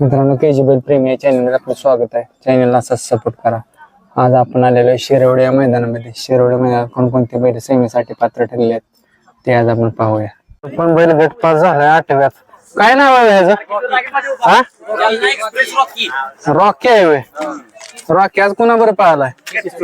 मित्रांनो केजी बैल प्रेमी या चॅनलवर आपलं स्वागत आहे. चॅनलला असाच सपोर्ट करा. आज आपण आलेलो आहे शिरवडे या मैदानामध्ये. शिरवडे मैदानात कोणकोणते बैल सेमीसाठी पात्र ठरले आहेत ते आज आपण पाहूया. पण बैल गट पास झालाय 8व्यात. काय नाव आहे ह्याचं? रॉकी आहे व्हय. रॉकी आज कुणा बरं पाहिलाय?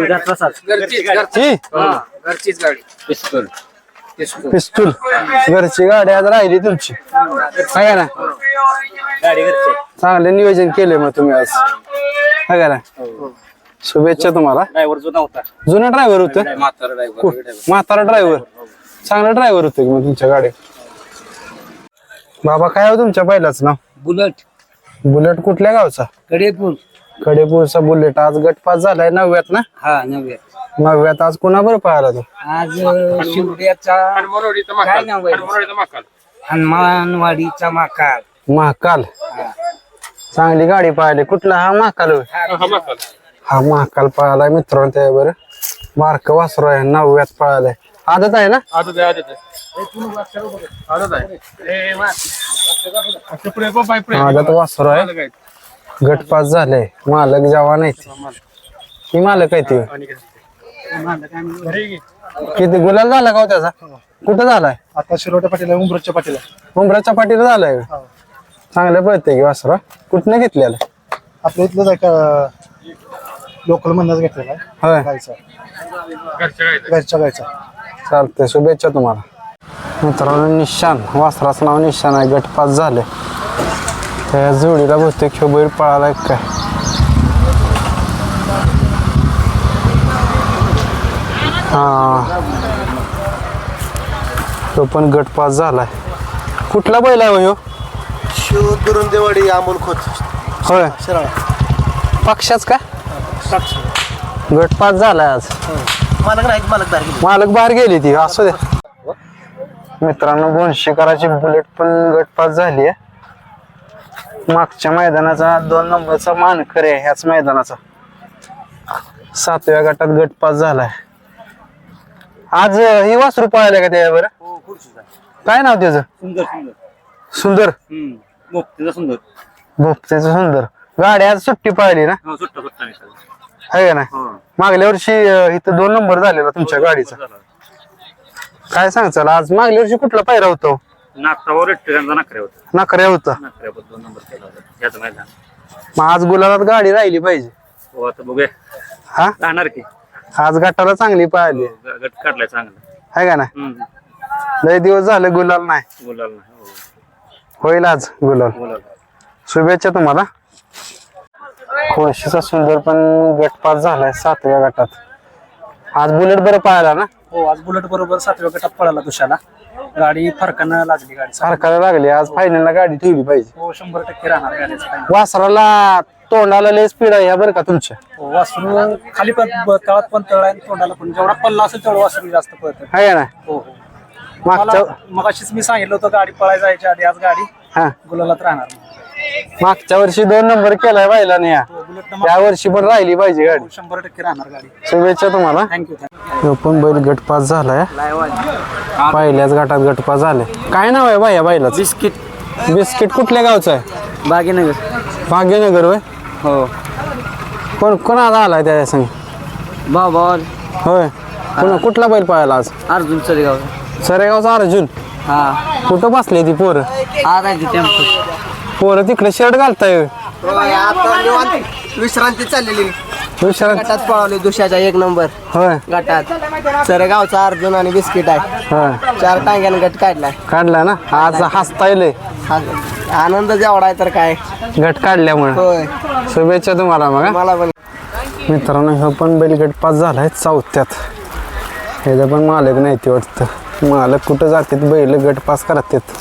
पिस्तूल घरची गाडी आज राहिली तुमची आहे ना. चांगले नियोजन केले मग तुम्ही आज आहे ना. शुभेच्छा तुम्हाला. जुना ड्रायव्हर होत, म्हातारा ड्रायव्हर, चांगला ड्रायव्हर होते मग तुमच्या गाडी. बाबा काय हो तुमच्या बैलाच नाव? बुलेट. बुलेट कुठल्या गावचा? कडेपूर. कडेपूरचा बुलेट आज गटपास झालाय 9व्यात ना. हा 9व्यात. 9व्यात आज कुणा बरं पाहिला तो? आज शिवड्याचा काय नाव आहे? हनुमानवाडीचा माकाल. महाकाल. चांगली गाडी पाहिली. कुठला हा महाकाल होय? हा महाकाल पळालाय मित्रांनो. त्या बरं बारक वासरू आहे 9व्यात पळालाय. आदत आहे ना? आदत वासरू आहे. गटपास झाले. मालक जवान आहे ती मालक आहे ती. किती गुलाल झाला का हो त्याचा? कुठं झालाय? आता शिरोट्या पाटील उमरच्या पाटील. उमराच्या पाठीला झालाय. चांगलं पळते की वासरा. कुठनं घेतलेलं? आपल्या इथलं का लोकल मधनच घेतलेला आहे. होय गायचा, घरच्या गायचा. चालतंय. शुभेच्छा तुम्हाला. मित्रांनो निशान वासराचं नाव निशान आहे. गटपास झाले. त्या जोडीला बहुतेक ह्यो बैल पळालाय काय. हा तो पण गटपास झालाय. कुठला बैल आहे ह्यो? शिव दुरुंदेवाडी अमोल खोत. होय शिराळा पक्षाच का? गटपास झालाय आज. मालक नाही, मालक बाहेर गेले. मालक बाहेर गेली ती. असू दे. मित्रांनो बोनशेकराची बुलेट पण गटपास झाली आहे. मागच्या मैदानाचा 2 नंबरचा मानकर आहे ह्याच मैदानाचा. 7व्या गटात गटपास झालाय. आज ही वासरू पळायला का त्यावर? काय नाव त्याचं? सुंदर. भोपत्याचं सुंदर. गाडी आज सुट्टी पळाली ना आहे का नाही? मागल्या वर्षी इथं 2 नंबर झालेला तुमच्या गाडीचा. काय सांगचाल आज? मागल्या वर्षी कुठला पायरा होता? नकऱ्या होता. मग आज गुलाबात गाडी राहिली पाहिजे. हा राहणार की आज गटाला चांगली पाहिली गट काढलाय चांगला आहे का नाही? लय दिवस झाले गुलाल नाही. गुलाल नाही. होईल आज गुलाल. शुभेच्छा तुम्हाला. खोशीचा सुंदर पण गटपास झालाय 7व्या गटात. आज बुलेट बरं पाहायला ना. हो आज बुलेट बरोबर 7व्या गटात पळाला तुषाला. गाडी फरकानं लागली. गाडी सारखाला लागली. आज फायनलला गाडी ठेवली पाहिजे. हो 100% राहणार गाडीचं काही. वासराला तोंडाला लय स्पीड आहे बरं का तुमच्या. हो वासरू खाली पण तळात पण तळ आहे, तोंडाला पण जेवढा पल्ला असेल तेवढं वासरू जास्त पळतं. आहे ना. हो हो. मागच्या मगाशीच मी सांगितलं होतं गाडी पळायला जायच्या आधी आज गाडी हा गुलालात राहणार. मागच्या वर्षी 2 नंबर केलाय बायला नाही. बुलेट या वर्षी पण राहिली पाहिजे गाडी. 100% राहणार गाडी. शुभेच्छा तुम्हाला. थँक्यू. तो पण बैल गटपास झालाय. पहिल्याच गटात गटपास झाले. काय नाव आहे बाया बैलाचं? बिस्किट. बिस्किट कुठल्या गावचं आहे? बागेनगर. भाग्यनगर होय. हो कोण कोणाला आलाय त्या संग? बाबा होय. कुठला बैल पाहायला आज? अर्जुन चरेगाव. सरेगावचा अर्जुन. हा कुठं बसले ती पोरं? आज आहे टेम्पो. पोरं तिकडे शर्ट घालताय. विश्रांती चाललेली. विचार गटात पळवली दुसऱ्याचा 1 नंबर होय. गटात. सरेगावचा अर्जुन आणि बिस्किट आहे. होय 4 टांग्याने गट काढलाय. काढला ना. आज हसतायले. आनंद जेवढा आहे तर काय. गट काढल्यामुळे. होय शुभेच्छा तुम्हाला. मग मला पण. मित्रांनो हा पण बैल गटपास झालाय 4थ्यात. ह्याचा पण मालक नाही ते वाटतं. मालक कुठं जातात बैल गटपास करतात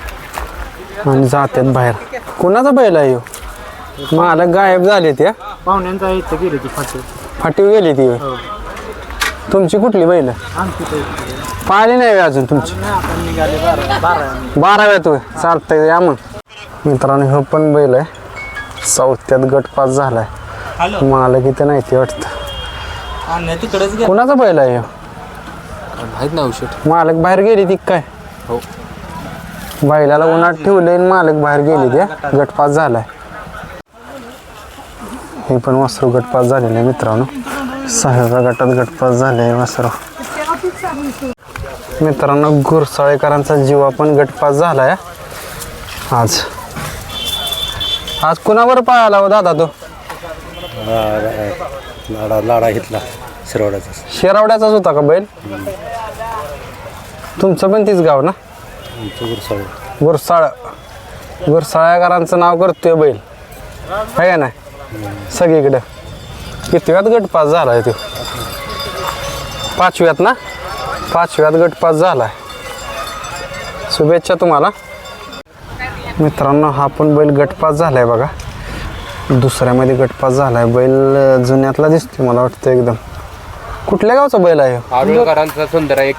आणि जातात बाहेर. कोणाचा बैल आहे ह्यो? मालक गायब झाले त्या पाहुण्यांचा इथं गेली ती फाटी. फाटीव गेली ती. तुमची कुठली बैल? पाहिली नाही अजून तुमची? आपण निघाले 12. 12व्यात होय. चालतंय या मग. मित्रांनो हा पण बैल आहे 4थ्यात गटपास झालाय. मालक इथं नाही ते वाटतं. तिकडेच कोणाचा बैल आहे ह्यो? माहित नाही औषध. मालक बाहेर गेली ती काय? हो बैलाला उन्हात ठेवलंय मालक बाहेर गेली त्या. गटपास झालाय. हे पण वासरू गटपास झालेलं आहे मित्रांनो. 6व्या गटात गटपास झाले आहे वासरू. मित्रांनो गुरसाळेकरांचा जीवा पण गटपास झाला आहे आज. आज कुणावर पाहायला हो दादा तो? लाडा घेतला शिरवड्याचा. शेरावड्याचाच होता का बैल? तुमचं पण तीच गाव ना? गुरसाळ. गुरसाळ्याकरांचं नाव करतोय बैल आहे का नाही सगळीकडं. कितव्यात गटपास झालाय तो? 5व्यात ना? 5व्यात गटपास झालाय. शुभेच्छा तुम्हाला मित्रांनो. हा पण बैल गटपास झालाय बघा. दुसऱ्यामध्ये गटपास झालाय. बैल जुन्यातला दिसतोय मला वाटतं एकदम. कुठल्या गावचा बैल आहे? आरुळकरांचा सुंदर आहे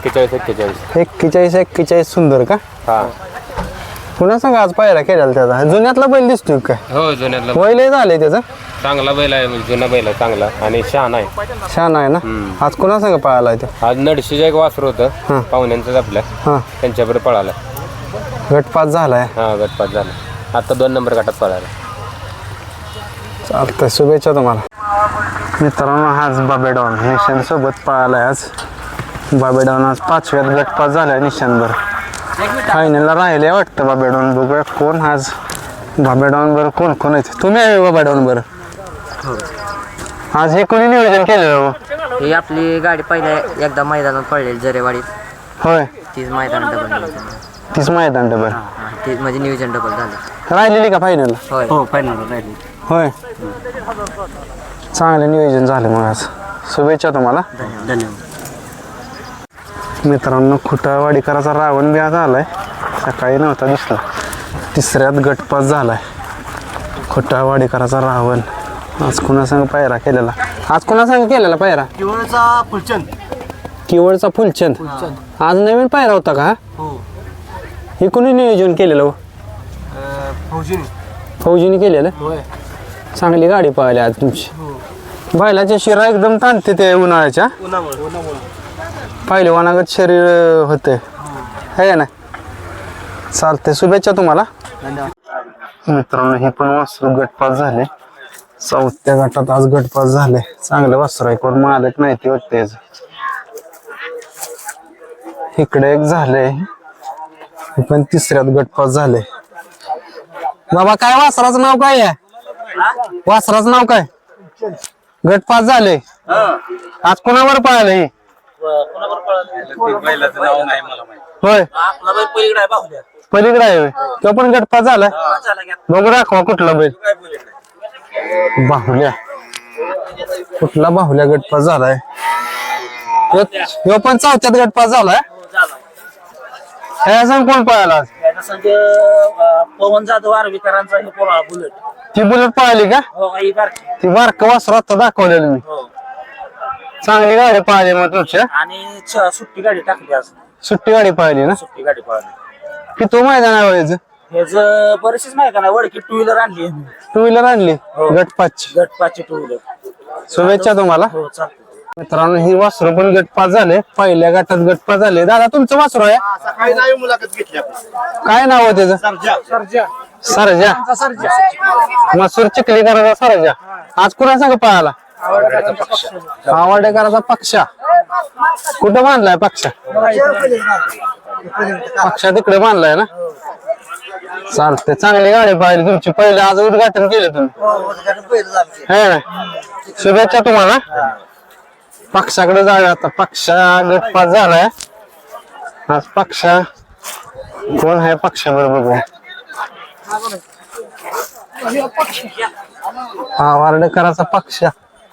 41 सुंदर का? हा पुन्हा सांगा आज पायरा केलेला त्याचा. जुन्यातला बैल दिसतोय काय? हो जुन्यातला बैल झालंय त्याचं. चांगला बैल आहे म्हणजे जुना बैल आहे चांगला आणि शहाणा आहे. छान आहे ना. आज कुणा सांगा पळाला ते? आज नडशीचं एक वासर होतं पाहुण्यांचंच आपल्या हां त्यांच्याबरोबर पळाला. गटपास झालाय. हा गटपास झाला. आता 2 नंबर गटात पळाला. चालतंय शुभेच्छा तुम्हाला मित्रांनो. आज बाबेडॉन निशान सोबत पळालाय आज. बाबेडॉन आज 5व्यात गटपास झालाय निशानभर. फायनलला राहिले वाटतं बाबेडॉन. बघूया कोण आज बाबेडॉन बरं कोण कोण येते. तुम्ही आहे बाबेडॉन बरं? आज हे कोणी नियोजन केलेलं? ही आपली गाडी पहिल्या एकदा मैदानात पडलेली जरेवाडीत. होय तीच मैदान डबल. तीच मैदान डबल. ते म्हणजे नियोजन डबल झालं. राहिलेली का फायनल? होय हो फायनल राहिली. होय चांगलं नियोजन झालं मग आज. शुभेच्छा तुम्हाला धन्यवाद. मित्रांनो. खुटावाडीकराचा रावण बी आज आलाय. सकाळी नव्हता दिसला. 3ऱ्यात गटपास झालाय खुटावाडीकराचा रावण. आज कुणासंग पायरा केलेला? आज कुणासंग केलेला पायरा? किवळचा फुलचंद. किवळचा फुलचंद. आज नवीन पायरा होता का? हे कोणी नियोजन केलेलं? फौजीने केलेलं. चांगली गाडी पाहिली आज तुमची. बैलाच्या शिरा एकदम ताणते ते उन्हाळ्याच्या. पहिले वनागत शरीर होते है ना. चालते शुभेच्छा तुम्हाला मित्रांनो. हे पण वासरू गटपास झाले. 4थ्या गटात आज गटपास झाले. चांगलं वासरू आहे. कोण मालक नाही ते वाटते. इकडे एक झाले. पण 3ऱ्यात गटपास झाले. बाबा काय वासराचं नाव काय आहे? वासराचं नाव काय? गटपास झाले. आज कोणावर पळाले? होय पलीकडे आहे. तो पण गटपास झालाय. बघू दाखवा कुठला बैल. बाहुल्या. कुठला बाहुल्या गटपास झालाय? ह्यो पण 4थ्यात गटपास झालाय. ह्या सांग कोण पळाला आज? पवन जाधव आर्वीकरांचा बुलेट. ती बुलेट पळाली का? ती बारक वासरू आता दाखवलेलं मी. चांगली गाडी पळाली मग तुमच्या. आणि सुट्टी गाडी टाकली आज. सुट्टी गाडी पळाली ना? सुट्टी गाडी पळाली. की तो मैदान आहे याचं? ह्याच बरेचशीच माहिती ना. वडकी 2 व्हीलर आणली. 2 व्हीलर आणली गटपासची. गटपासची 2 व्हीलर. शुभेच्छा तुम्हाला हो चालतं. मित्रांनो. ही वासरू पण गटपास झाले. पहिल्या गटात गटपास झाले. दादा तुमचं वासरू आहे? सकाळी नाही मुलाखत घेतली आपण. काय नाव आहे त्याचं? सरजा. मसूर चिखलीकराचा सरजा. आज कुणा सांग पळाला? आवडेकराचा पक्षा. कुठं बांधलाय पक्षा? पक्षा तिकडे बांधलाय ना. चालते. चांगली गाडी पाहिली तुमची. पहिले आज उद्घाटन केलं तुम्ही है ना. शुभेच्छा तुम्हाला. पक्षाकडे जाऊया आता. पक्षा गटपास झालाय आज. पक्षा कोण आहे पक्षाबरोबर बघू. वार्डेकराचा पक्षा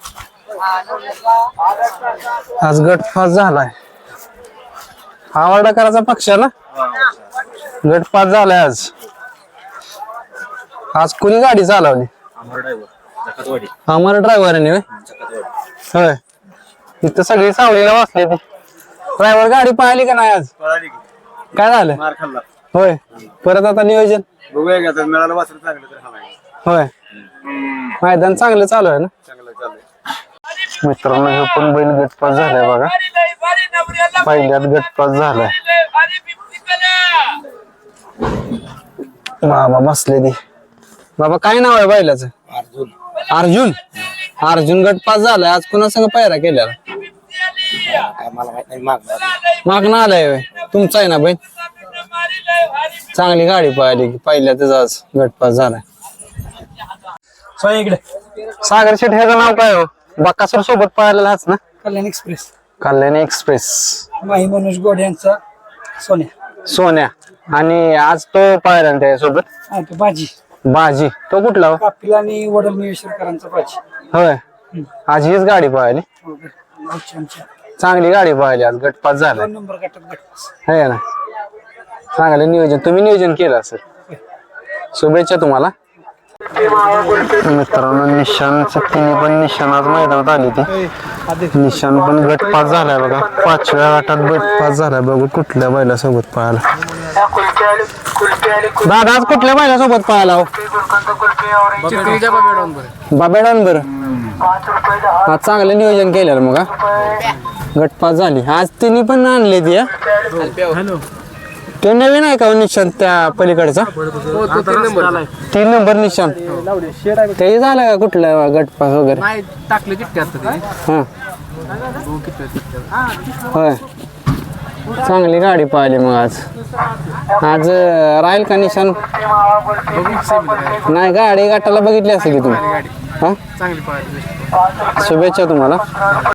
आज गटपास झालाय. वार्डेकराचा पक्ष ना गटपास झालाय आज. आज कुणी गाडी चालवली? अमर ड्रायव्हरने. होय इथं सगळी सावलीला बसली. ती ड्रायव्हर गाडी पाहिली का नाही आज? काय झालं? होय परत आता नियोजन होय. मैदान चांगलं चालू आहे ना मित्रांनो. हे पण बैल गटपास झालाय बघा. पहिल्यात गटपास झालाय. बाबा बसले ती. बाबा काय नाव आहे बैलाचं? अर्जुन गट पास झालाय. आज कुणा संग पायरा केलेला? मागणं आलाय होय. तुमचा आहे ना बहीण? चांगली गाडी पळाली की पहिल्यातच आज गट पास झालाय. इकडे सागर शेठ ह्याचं नाव काय हो? बक्कासूर सोबत पळालेला हाच ना? Kalyan express Kalyani express. माही मनोज गोडे यांचा सोन्या सोन्या. आणि आज तो पळाला ना त्याच्यासोबत? आणि तो बाजी बाजी. तो कुठला हो? कापिल आणि वडल निवेशकरांचा बाजी. होय. आज हीच गाडी पळाली. आमच्या चांगली गाडी पळाली आज. गट पास झाला 2 नंबर गटात गटपास. है ना? चांगलं नियोजन तुम्ही नियोजन केलं असेल. शुभेच्छा तुम्हाला. मित्रांनो निशानचं तिने पण निशाण आज मैदानात आली ती. निशाण पण गट पास झालाय बघा. 5व्या गटात गट पास झालाय. बघू कुठल्या बैलासोबत पळाला. दादा आज कुठल्या बैलासोबत पळाला हो? बाबेडांबर. आज चांगलं नियोजन केलेलं मग हा. गट पास झाली. आज तिने पण आणले ती. ते नवीन आहे का हो निशाण त्या पलीकडचा? 3 नंबर निशाण. ते झालं का कुठलं गट पास वगैरे? टाकले चिठ्ठी आता हा होय. चांगली गाडी पाहिली मग आज. आज राहील का निशाण? नाही गाडी गटाला बघितली असेल की तुम्ही. हा चांगली पाहिजे. शुभेच्छा तुम्हाला.